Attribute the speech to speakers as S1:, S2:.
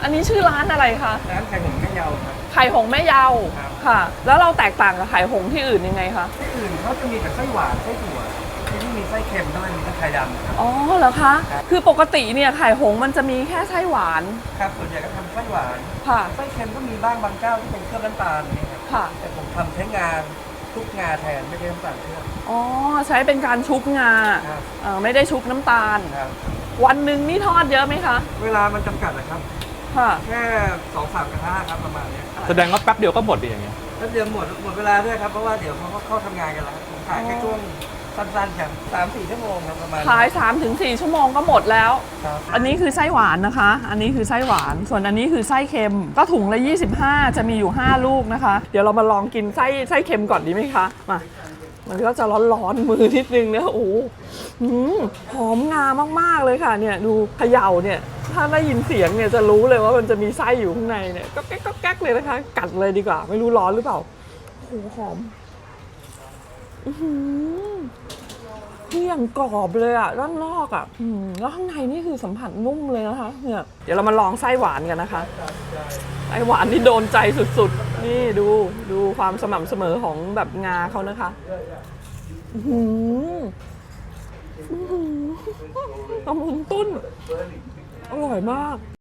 S1: อันนี้ชื่อร้านอะไรคะ
S2: ร้านไข่หงแม่เยาครับ
S1: ไข่หงแม่เยาค่ะ แล้วเราแตกต่างกับไข่หงที่อื่นยังไงคะ
S2: ที่อื่นเขาจะมีแต่ไส้หวานไส้ถั่วที่นี่มีไส้เค็มด้วยมีทั้งไข่ดำครับ
S1: อ๋อเหรอคะคือปกติเนี่ยไข่หงมันจะมีแค่ไส้หวาน
S2: ครับส่วนใหญ่ก็ทำไส้หวาน
S1: ค่ะ
S2: ไส้เค็มก็มีบ้างบางเจ้าที่เป็นเครื่องน้ำตาลนี่ครับ
S1: ค่ะ
S2: แต่ผมทำใช้งาทุกงาแทนไม่ใช่น้ำตาลเครื่อง
S1: อ๋อใช้เป็นการชุบงาไม่ได้ชุบน้ำตาล
S2: ครับ
S1: วันหนึ่งนี่ทอดเยอะไหมคะ
S2: เวลามันจำกัดนะครับ
S1: ค่ะ
S2: แค่2-3 กระทะครับประมาณนี้
S3: แสดงว่าแป๊บเดียวก็หมดอย่างเงี้ย
S2: แล้วเดี๋ยวหมดเวลาด้วยครับเพราะว่าเดี๋ยวเขาเข้าทำงานกันแล้วผมขายแค่ช่วงสั้นๆครับ3-4 ชั่วโมงครับประมาณ
S1: ขาย 3-4 ชั่วโมงก็หมดแล้วอันนี้คือไส้หวานนะคะอันนี้คือไส้หวานส่วนอันนี้คือไส้เค็มก็ถุงละ25จะมีอยู่5ลูกนะคะเดี๋ยวเรามาลองกินไส้เค็มก่อนดีไหมคะมามันก็จะร้อนๆมือนิดนึงนะโอ้โหหอมงามากๆเลยค่ะเนี่ยดูเขย่าเนี่ยถ้าได้ยินเสียงเนี่ยจะรู้เลยว่ามันจะมีไส้อยู่ข้างในเนี่ยก็แก๊กก็แก๊กเลยนะคะกัดเลยดีกว่าไม่รู้ร้อนหรือเปล่าโอ้โหหอมที่อย่างกรอบเลยอ่ะด้านนอกอ่ะแล้วข้างในนี่คือสัมผัสนุ่มเลยนะคะเนี่ยเดี๋ยวเรามาลองไส้หวานกันนะคะไส้หวานนี่โดนใจสุดๆนี่ดูความสม่ำเสมอของแบบงาเขานะคะละมุนตุ้นอร่อยมาก